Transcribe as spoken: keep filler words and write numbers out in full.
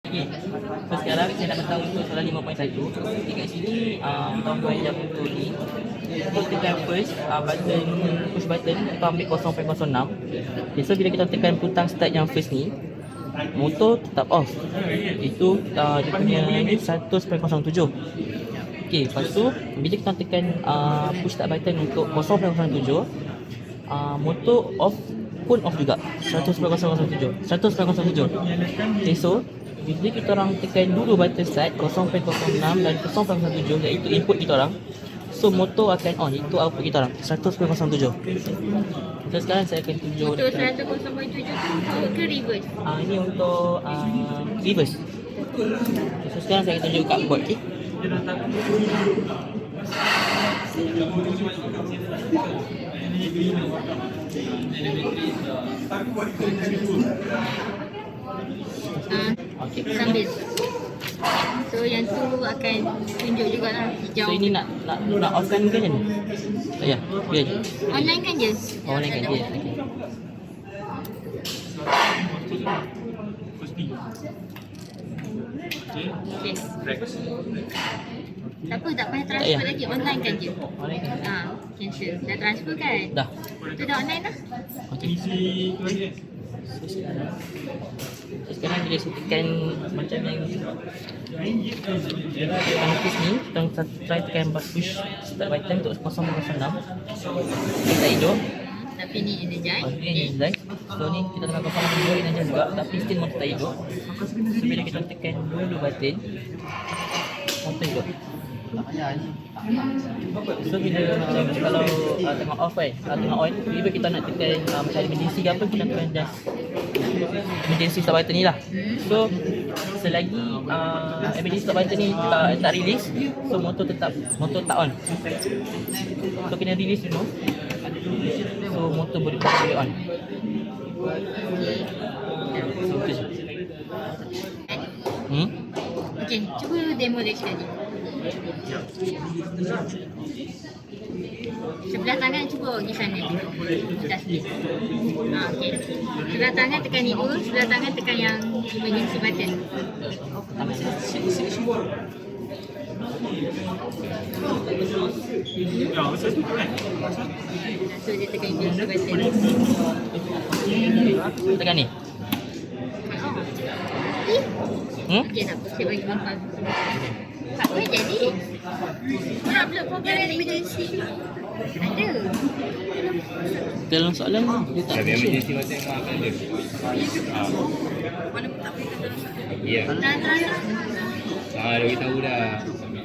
Okey. So sekarang saya nak beritahu untuk soalan lima titik satu. Okey, kat sini uh, tahun dua ribu dua puluh ni kita tekan first uh, button push button kita ambil kosong perpuluhan kosong enam. Okay, so bila kita tekan butang start yang first ni, motor tetap off. Itu uh, dia punya ni seratus perpuluhan kosong tujuh. Okey, lepas tu bila kita tekan uh, push start button untuk kosong perpuluhan kosong tujuh, uh, motor off pun off juga. seratus perpuluhan kosong tujuh. seratus perpuluhan kosong tujuh. Okey, so bila kita orang tekan dulu button start kosong perpuluhan kosong enam dan kosong perpuluhan kosong tujuh, iaitu input kita orang, so motor akan on, itu output kita orang seratus perpuluhan kosong tujuh. So sekarang saya akan tunjuk Motor seratus perpuluhan tujuh tu ke reverse? uh, ini untuk uh, reverse. So sekarang saya akan tunjuk kat board. Okay? Uh, Okay. sambil. So yang tu akan tunjuk jugalah hijau. So ini nak nak nak offkan ke macam ni? Tak payah. Biar je. Online kan je? Oh, online kan dia. Okey. Okay. Tak apa, tak payah Tak transfer payah. lagi. Online kan je? Online kan? Ah, cancel. Dah transfer kan? Dah. Tu dah online lah. Okey. So sekarang so, sekarang bila saya tekan macam yang yang kes ni, kita try tekan push start button untuk kosong kosong enam. Kita hijau. Tapi ni energize. Oh, ini energize. So ni kita tengah kosong tujuh energize juga, tapi still motor tak hijau. So bila kita tekan dulu button, motor hijau. So bila uh, kalau uh, tengah off kan, kalau tengah on, bila kita nak tekan uh, macam emergency ke apa, kita tekan just emergency start button ni lah. So selagi uh, emergency start button ni tak, tak release, so motor tetap motor tak on. So kena release dulu, so motor boleh boleh on. So tu je. Hmm? Okey, cuba demo dia sekali. Sebelah tangan cuba pergi sana. Atas ni. Ha, okey. Sebelah tangan tekan ni dulu, sebelah tangan tekan yang emergency button. Tangan sini sini semua. So dia tekan emergency button. Tekan ni. Oh. Eh? Hmm? Okey, tak apa. Saya bagi bangkang. Tak boleh jadi. Nak upload program emergency. Ada. Dalam soalan dia tak Tapi mention. emergency button memang akan ada. Walaupun tak boleh kata. Ya. Dah, dah, dah. Ah, dah beritahu dah.